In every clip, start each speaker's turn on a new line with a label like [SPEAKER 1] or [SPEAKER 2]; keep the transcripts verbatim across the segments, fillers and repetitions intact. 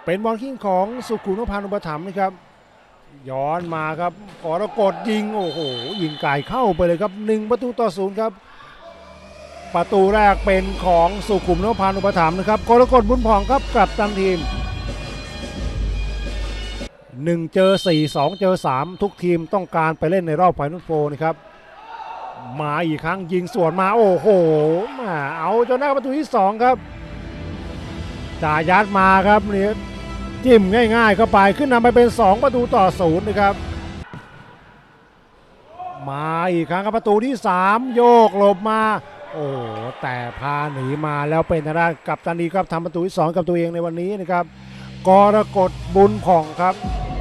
[SPEAKER 1] เป็นบอลคิงของสุขุมนพพานุปถัมภ์นะครับย้อนมาครับกรกฎยิงโอ้โหยิงไก่เข้าไปเลยครับหนึ่งประตูต่อศูนย์ครับประตูแรกเป็นของสุขุมนพพานุปถัมภ์นะครับกรกฎบุญผ่องครับกลับตันทีมหนึ่งเจอสี่ สองเจอสามทุกทีมต้องการไปเล่นในรอบไฟนอลโฟร์นะครับมาอีกครั้งยิงสวนมาโอ้โหมาเอาจนได้ประตูที่สองครับจ่ายัดมาครับนี่จิ้มง่ายๆเข้าไปขึ้นนำไปเป็นสองประตูต่อศูนย์นะครับมาอีกครั้งครับประตูที่สามโยกหลบมาโอ้แต่พาหนีมาแล้วเป็นทางด้านกัปตันดีครับทำประตูที่สองกับตัวเองในวันนี้นะครับกรกฎบุญผ่องครับ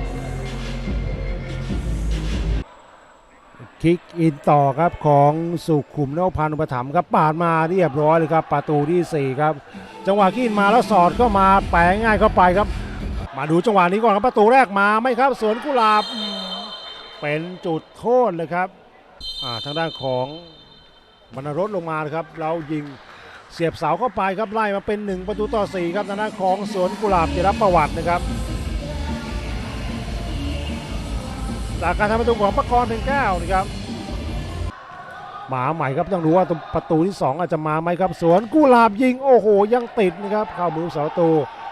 [SPEAKER 1] คิกอินต่อครับของสุขุมนพพานุปถัมภ์ครับปาดมาเรียบร้อยเลยครับประตูที่สี่ครับจังหวะคิกอินมาแล้วสอดเข้ามาแปะง่ายเข้าไปครับมาดูจังหวะนี้ก่อนครับประตูแรกมาไหมครับสวนกุหลาบเป็นจุดโทษเลยครับทางด้านของบรรณรสลงมาครับเรายิงเสียบเสาเข้าไปครับไล่มาเป็นหนึ่งประตูต่อสี่ครับทางด้านของสวนกุหลาบจะรับประวัตินะครับจากการทำประตูของประกรณ์เพ็งแก้วนะครับหมาใหม่ครับต้องดูว่าประตูที่สองอาจจะมาไหมครับสวนกุหลาบยิงโอ้โหยังติดนะครับเข้ามือเสาตู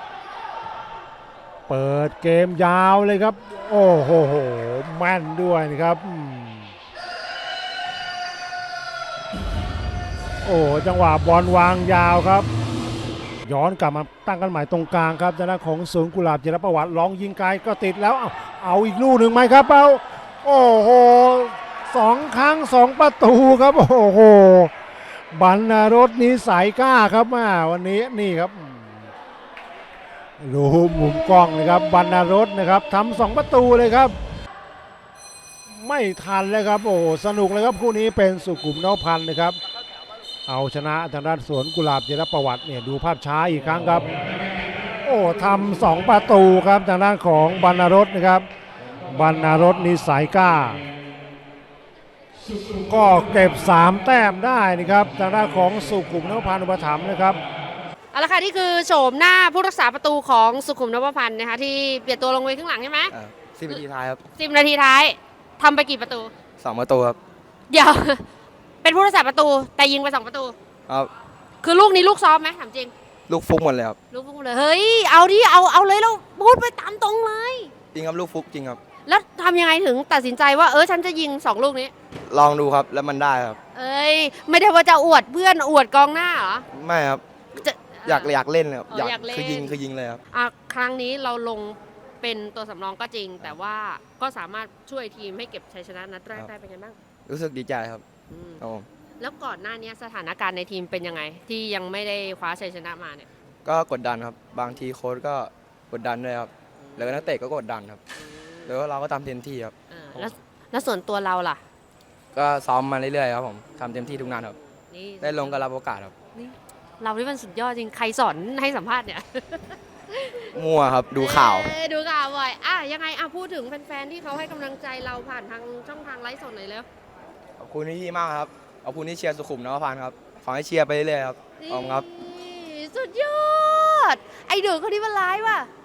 [SPEAKER 1] เปิดเกมยาวเลยครับโอ้โหแม่นด้วยนะครับโอ้จังหวะบอลวางยาวครับย้อนกลับมาตั้งกันใหม่ตรงกลางครับจากนั้นของสวนกุหลาบจิรประวัติลองยิงไกลก็ติดแล้วเอาเอาอีกลูกหนึ่งไหมครับเอาโอ้โหสองครั้งสองประตูครับโอ้โหบรรณรสนิสัยกล้าครับมาวันนี้นี่ครับดูมุมกล้องนะครับบรรณรสนะครับทำสองประตูเลยครับไม่ทันเลยครับโอ้สนุกเลยครับคู่นี้เป็นสุขุมนพพันธ์นะครับเอาชนะทางด้านสวนกุหลาบจิรประวัติเนี่ยดูภาพช้าอีกครั้งครับโอ้ทำสองประตูครับทางด้านของบรรณรสนะครับบรรณรสนิสัยกล้าก็เก็บสามแต้มได้นะครับทางด้านของสุขุมนพพานุปถัมภ์นะครับ
[SPEAKER 2] เอาละค่ะนี่คือโฉมหน้าผู้รักษาประตูของสุขุมนพพันธ์นะคะที่เปลี่ยนตัวลงไปข้างหลังใช่ไหม
[SPEAKER 3] สิบนาทีท้ายครับ
[SPEAKER 2] สิบนาทีท้ายทำไปกี่ประตู
[SPEAKER 3] สองประตูครับ
[SPEAKER 2] เดี๋ยว เป็นผู้รักษาประตูแต่ยิงไปสองประตู
[SPEAKER 3] ครับ
[SPEAKER 2] คือลูกนี้ลูกซ้อมไหมถามจริง
[SPEAKER 3] ลูกฟุกหมดเลยครับ
[SPEAKER 2] ลูกฟุกเลยเฮ้ยเอาดิเอาเอาเลยเราพูดไปตามตรงเลย
[SPEAKER 3] จริงครับลูกฟุกจริงครับ
[SPEAKER 2] แล้วทำยังไงถึงตัดสินใจว่าเออฉันจะยิงสองลูกนี้
[SPEAKER 3] ลองดูครับแล้วมันได้ครับ
[SPEAKER 2] เอ้ยไม่ได้ว่าจะอวดเพื่อนอวดกองหน้าเหรอ
[SPEAKER 3] ไม่ครับอยากอยากเล่นครับ
[SPEAKER 2] อยาก
[SPEAKER 3] คือยิงคือยิงเลยครับ
[SPEAKER 2] อ่ะครั้งนี้เราลงเป็นตัวสำรองก็จริงแต่ว่าก็สามารถช่วยทีมให้เก็บชัยชนะนัดแรกได้เป็นไงบ้าง
[SPEAKER 3] รู้สึกดีใจครับ
[SPEAKER 2] แล้วก่อนหน้านี้สถานการณ์ในทีมเป็นยังไงที่ยังไม่ได้คว้าชัยชนะมาเนี่ย
[SPEAKER 3] ก็กดดันครับบางทีโค้ชก็กดดันด้วยครับแล้วนักเตะก็กดดันครับแล้วเราก็ทำเต็มที่ครับ
[SPEAKER 2] แล้วแล้วส่วนตัวเราล่ะ
[SPEAKER 3] ก็ซ้อมมาเรื่อยๆครับผมทำเต็มที่ทุกนัดครับได้ลงก็รับโอกาสครับ
[SPEAKER 2] เราที่มันสุดยอดจริงใครสอนให้สัมภาษณ์เนี่ย
[SPEAKER 3] มั่วครับดูข่าว
[SPEAKER 2] ดูข่าวบ่อยอ่ะยังไงอ่ะพูดถึงแฟนๆที่เขาให้กำลังใจเราผ่านทางช่องทางไลฟ์สดหน่อยแล้ว
[SPEAKER 3] ขอบคุณที่มากครับขอบคุณที่เชียร์สุขุมนพพันธ์ครับขอให้เชียร์ไปเรื่อยๆครับขอบคุณครับ
[SPEAKER 2] สุดยอดไอเดือคนนี้มันร้ายว่ะ